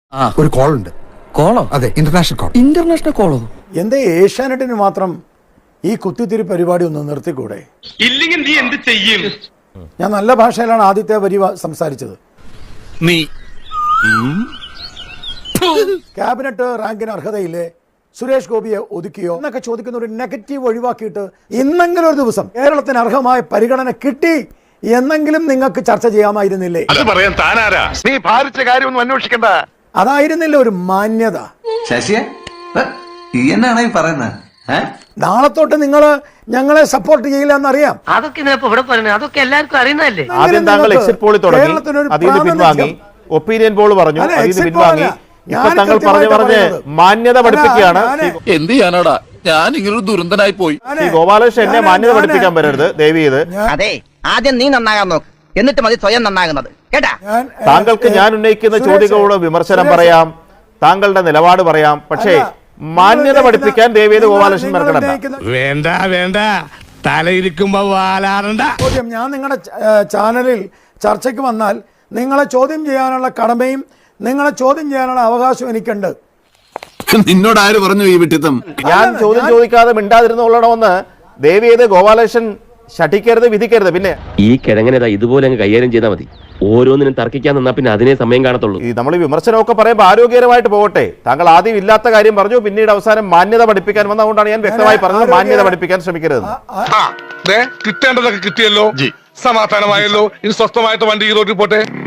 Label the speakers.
Speaker 1: ഒരു കോൾ ഉണ്ട്.
Speaker 2: കോളോ?
Speaker 1: അതെ, ഇന്റർനാഷണൽ കോൾ.
Speaker 2: ഇന്റർനാഷണൽ കോളോ?
Speaker 3: എന്താ ഏഷ്യാനെറ്റിന് മാത്രം ഈ കുത്തിത്തിരി പരിപാടി ഒന്ന് നിർത്തിക്കൂടെ?
Speaker 4: ഇല്ലെങ്കിൽ നീ എന്ത് ചെയ്യും?
Speaker 3: ഞാൻ നല്ല ഭാഷയിലാണ് ആദ്യത്തെ വരി സംസാരിച്ചത്.
Speaker 4: നീ
Speaker 3: ക്യാബിനറ്റ് റാങ്കിന് അർഹതയില്ലേ, സുരേഷ് ഗോപിയെ ഒതുക്കിയോ എന്നൊക്കെ ചോദിക്കുന്ന ഒരു നെഗറ്റീവ് ഒഴിവാക്കിയിട്ട് ഇന്നെങ്കിലും ഒരു ദിവസം കേരളത്തിന് അർഹമായ പരിഗണന കിട്ടി എന്നെങ്കിലും നിങ്ങൾക്ക് ചർച്ച ചെയ്യാമായിരുന്നില്ലേ?
Speaker 4: അത് പറയാൻ താനാരാ? നീ ഭാരിച്ച കാര്യമൊന്നും അന്വേഷിക്കണ്ട.
Speaker 3: അതായിരുന്നില്ല ഒരു മാന്യത.
Speaker 5: ശശിയെ എന്നാണ് ഈ പറയുന്നത്?
Speaker 3: നാളെ തൊട്ട് നിങ്ങൾ ഞങ്ങളെ സപ്പോർട്ട് ചെയ്യില്ല എന്നറിയാം.
Speaker 6: അതൊക്കെ ഇവിടെ പറയുന്നത് അതൊക്കെ എല്ലാവർക്കും അറിയുന്നതല്ലേ.
Speaker 7: ആദ്യം താങ്കൾ എക്സിറ്റ് പോളിൽ തുടങ്ങി, അതിൽ നിന്ന് പിൻവാങ്ങി, ഒപ്പീനിയൻ പോൾ പറഞ്ഞു, അതിൽ നിന്ന് പിൻവാങ്ങി. ഇപ്പൊ താങ്കൾ പറഞ്ഞ് മാന്യത പഠിപ്പിക്കുകയാണ്.
Speaker 8: എന്ത് ചെയ്യാനാടാ, ഞാൻ ഇങ്ങനൊരു ദുരന്തനായി പോയി.
Speaker 7: ഈ ഗോപാലകൃഷ്ണൻ എന്നെ മാന്യത പഠിപ്പിക്കാൻ വരരുത് ദയവ് ചെയ്ത്.
Speaker 6: അതെ, ആദ്യം നീ നന്നാകാൻ നോക്ക്, എന്നിട്ട് മതി സ്വയം നന്നാകുന്നത്, കേട്ടാ?
Speaker 7: താങ്കൾക്ക് ഞാൻ ഉന്നയിക്കുന്ന ചോദ്യങ്ങളോട് വിമർശനം പറയാം, താങ്കളുടെ നിലപാട് പറയാം, പക്ഷേ മാന്യത പഠിപ്പിക്കാൻ ദയവേത് ഗോപാലകൃഷ്ണൻ മെനക്കെടണ്ട.
Speaker 4: വേണ്ട വേണ്ട, തലയിരിക്കുമ്പോ വാലാറണ്ട.
Speaker 3: ഞാൻ നിങ്ങളുടെ ചാനലിൽ ചർച്ചയ്ക്ക് വന്നാൽ നിങ്ങളെ ചോദ്യം ചെയ്യാനുള്ള കടമയും നിങ്ങളെ ചോദ്യം ചെയ്യാനുള്ള അവകാശം എനിക്കുണ്ട്.
Speaker 8: നിന്നോട് ആര് പറഞ്ഞു ഈ വിട്ടിത്തം?
Speaker 7: ഞാൻ ചോദ്യം ചോദിക്കാതെ മിണ്ടാതിരുന്നുകൊള്ളണമെന്ന് ദയവേത് ഗോപാലകൃഷ്ണൻ ശഠിക്കരുത്, വിധിക്കരുത്. പിന്നെ
Speaker 9: ഈ കിഴങ്ങനേതാ ഇതുപോലെ അങ്ങ് കൈകാര്യം ചെയ്താൽ മതി. ഓരോന്നിനും തർക്കിക്കാൻ നിന്നാ പിന്നെ അതിനെ സമയം കാണത്തുള്ളൂ.
Speaker 7: ഈ നമ്മൾ വിമർശനമൊക്കെ പറയുമ്പോൾ ആരോഗ്യകരമായിട്ട് പോകട്ടെ. താങ്കൾ ആദ്യം ഇല്ലാത്ത കാര്യം പറഞ്ഞു, പിന്നീട് അവസാനം മാന്യത പഠിപ്പിക്കാൻ വന്നതുകൊണ്ടാണ് ഞാൻ വ്യക്തമായി പറഞ്ഞത് മാന്യത പഠിപ്പിക്കാൻ ശ്രമിക്കരുത്.
Speaker 4: കിട്ടേണ്ടതൊക്കെ കിട്ടിയല്ലോ, സമാധാനമായല്ലോ. ഇനി സ്വസ്ഥമായിട്ട് വണ്ടി ഈ റോഡിൽ പോട്ടെ.